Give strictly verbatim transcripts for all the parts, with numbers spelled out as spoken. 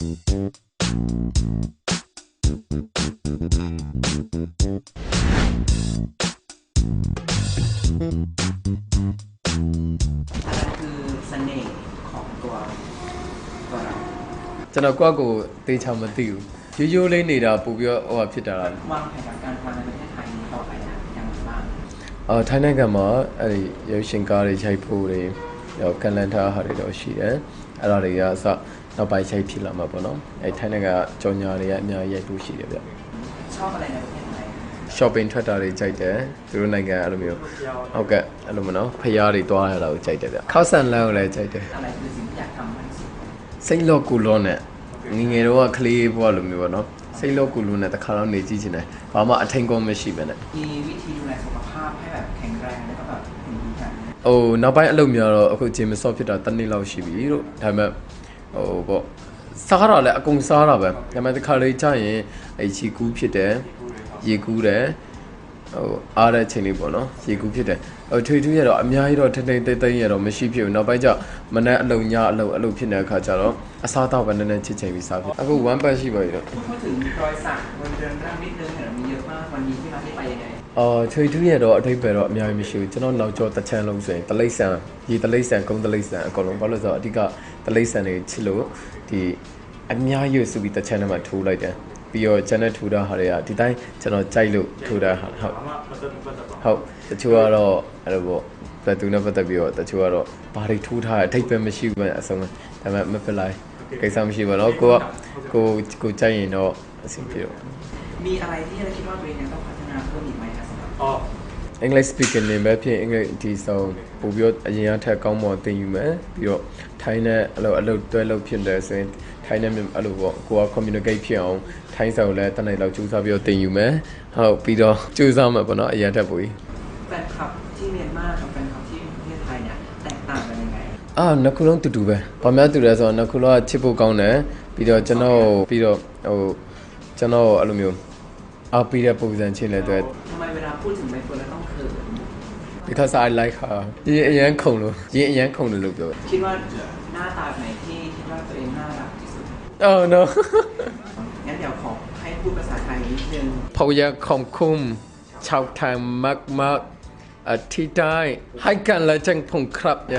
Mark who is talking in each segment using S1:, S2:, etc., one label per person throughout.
S1: ကျွန်တော်ကွက်ကိုတေချာမသိဘူးရိုးရိုးလေးနေတာပို့ပြီးတော့ဟိုဖြစ်တာလား
S2: วางแผนการทำในประเทศไทยต่อไปนะยังไงบ้าง
S1: အော်ထိုင်းနိုင်ငံမှာအဲ့ဒီရုပ်ရှင်ကားတွေရိုက်ဖို့တွေရောကန်လန်ထားဟာတွေတော့ရှိတယ်အဲ့ဒါတွေကအစနောက်ပိုင်းရိုက်ဖြစ်လာမှာပေါ့နော်အဲ့ထိုင်းနိုင်ငံကကြော်ညာတွေကအများကြီးရိုက်ဖို့ရှိတယ်ဗျ
S2: ชอบอะไรในประเทศไทย
S1: shopping ထွက်တာတွေကြိုက်တယ်သူတို့နိုင်ငံအဲ့လိုမျိုးဟုတ်ကဲ့အဲ့လိုမနော်ဖျားတွေတွားရတာကိုကြိုက်တယ်ဗျခောက်ဆန်လန်းကိုလည်းကြိုက်တယ်
S2: อะไรคือสิ่งที่อยากทำมากที่สุด
S1: စိတ်လော့ကူလော့နဲ့ငငယ်တော့ကလေးဘွားလိုမျိုးပေါ့နော်စိတ်လော့ကူလော့နဲ့တခါတော့နေကြည့်ချင်တယ်ဘာမှအထင်ကောင်းမရှိပဲနဲ့
S2: มีวิธีดูแลสุขภาพให้แบบแข็งแรงแล้วก็แบบหุ่นดีกัน
S1: ဟိုနောက်ပိုင်းအလုပ်များတော့အခုဂျင်မဆော့ဖြစ်တာတစ်နှစ်လောက်ရှိပြီလို့ဒါပေမဲ့ဟိုပေါ့စားတာလည်းအကုန်စားတာပဲဒါပေမဲ့တခါလေးကြာရင်အဲချီကူးဖြစ်တယ်ရေကူးတယ်ဟိုအားတဲ့ချိန်လေးပေါ့နော်ရေကူးဖြစ်တယ်ဟိုထွေထွေရတော့အများကြီးတော့ထိမ့်ထိမ့်သိမ့်သိမ့်ရတော့မရှိဖြစ်ဘူးနောက်ပိုင်းကျမနက်အလုံညအလုံအလုံဖြစ်နေတဲ့အခါကျတော့အစားတော့ပဲနည်းနည်းချစ်ချိန်ပြီးစားဖြစ်အခု one pack ရှိပါပြီတော့
S2: พูดถึงรอยสักบนเรือนร่างนิดนึงเนี่ยมีเยอะมากวันนี้ที่มาที่ไปยังไง
S1: အော်ထွေထွေရတော့အထိပ္ပယ်တော့အများကြီးမရှိဘူးကျွန်တော်နောက်ကျော်တစ်ချမ်းလုံးဆိုရင်တလိမ့်ဆန်ရေတလိမ့်ဆန်ကုန်းတလိမ့်ဆန်အကုန်လုံးဘာလို့ဆိုတော့အဓိကတလိမ့်ဆန်တွေချစ်လို့ဒီအများကြီးစုပြီးတစ်ချမ်းထဲမှာထိုးလိုက်တယ်ပြီးတော့ကျန်တဲ့ထူတာဟာတွေကဒီတိုင်းကျွန်တော်ကြိုက်လို့ထူတာဟာဟုတ်ဟုတ်တချို့ကတော့အဲ့လိုပေါ့ဘယ်သူနဲ့ပတ်သက်ပြီးတော့တချို့ကတော့ဘာတွေထူထားအထိပ်ပဲမရှိဘူးအဆုံးဒါပေမဲ့မဖြစ်လိုက်ကိစ္စမရှိပါတော့ကိုကကိုကိုကြိုက်ရင်တော့အဆင်ပြေတော့
S2: มีอะไรที่เราคิดว่าตัวเองยังต้องพัฒนาเพิ่มอีกไหมครับสำหรับอ๋อ
S1: English speaking နေပဲဖြစ်အင်္ဂလိပ်ဒီဆောင်ပို့ပြီးတော့အရင်အထက်ကောင်းမွန်သင်ယူမယ်ပြီးတော့ထိုင်းနဲ့အဲ့လိုအလုပ်တွဲလုပ်ဖြစ်တယ်ဆိုရင်ထိုင်းနဲ့အဲ့လိုပေါ့ကိုက communicate ဖြစ်အောင်ထိုင်းစာကိုလည်းတနေ့လောက်ကြိုးစားပြီးတော့သင်ယူမယ်ဟုတ်ပြီးတော့ကြိုးစားမှာပေါ့နော်အရင်ထက်ပိုပြီး
S2: แฟนคลับที่เมียนมากับแฟนคลับที่ประเทศไทยเนี่ยแตกต่างกันยังไง
S1: အာနှစ်ခုလုံးတူတူပဲဘာမှတူတယ်ဆိုတော့နှစ်ခုလုံးကချစ်ဖို့ကောင်းတယ်ပြီးတော့ကျွန်တော်ပြီးတော့ဟိုကျွန်တော်အဲ့လိုမျိုးအားပေးတဲ့ပုံစံချင်းလည်းတွေ့
S2: ทำไมเวลาพูดถึงใบเฟิร์นแล้วต้องเขิน
S1: because I like her ရေအရန်ခုံလို့ရေအရန်ခုံလို့လို့ပြော
S2: คิดว่าหน้าตาไหนที่คิดว่าตัวเองน่ารักที่สุด
S1: Oh no
S2: งั้นเดี๋ยวขอให้พูดภาษาไทยนิดนึง
S1: ผมอยากขอบคุณชาวไทยมากๆที่ได้ให้กันและจังผมครับเนี่ย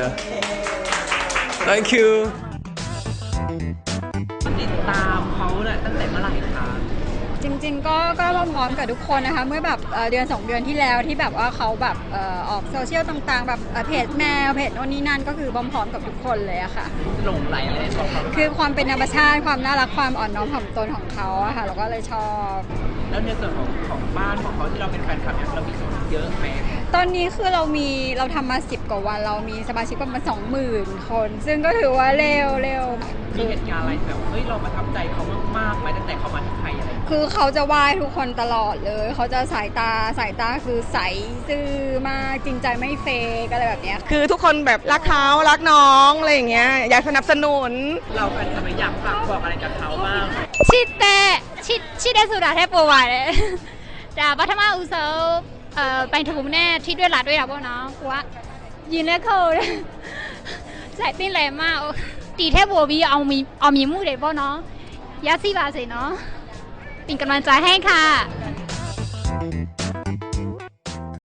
S1: Thank you
S2: ติดตามเขาเนี่ยตั้งแต่เมื่อไหร่คะ
S3: จริงๆก็ก็พร้อมกับทุกคนนะคะเมื่อแบบเดือนสองเดือนที่แล้วที่แบบว่าเขาแบบออกโซเชียลต่างๆแบบเพจแมวเพจโน่นนี่นั่นก็คือพร้อมๆกับทุกคนเลยอะค่ะ
S2: หลงไหลเลยชอบเขา
S3: คือความเป็นธรรมชาติความน่ารักความอ่อนน้อมถ่อมตนของเขาอะค่ะเราก็เลยชอบ
S2: แล้วในส่วนของของบ้านของเขาที่เราเป็นแฟนคลับเนี่ยเรามีส่วนเยอะไหม
S3: ตอนนี้คือเรามีเราทำมาสิบกว่าวันเรามีสมาชิกประมาณสองหมื่นคนซึ่งก็ถือว่าเร็วเร็ว
S2: มีเหตุการณ์อะไรแบบเฮ้ยเราประทับใจเขามากๆไหมตั้งแต่เขามาที่ไทยอะไร
S3: คือเขาจะไหว้ทุกคนตลอดเลยเขาจะสายตาสายตาคือใสซื่อมากจริงใจไม่เฟกอะไรแบบนี้
S4: คือทุกคนแบบรักเขารักน้องอะไรอย่างเงี้ยอยากสนับสนุน
S2: เราแฟนคลับอยากฝากบอกอะไรกับเขาบ้าง
S3: ชิดแต่ชิดชิดได้สุดาแทบปวดเลยแต่ปัทมาอุโสเอ่อไปถูกแน่ที่ด้วยหลาด้วยหรอพ่อเนาะว่ายินแล้วเขาใจเต้นแรงมากตีแทบบัวบีเอามีเอามีมูดเลยพ่อเนาะยัดซี่บาสิเนาะเป็นกำลังใจให้ค่ะ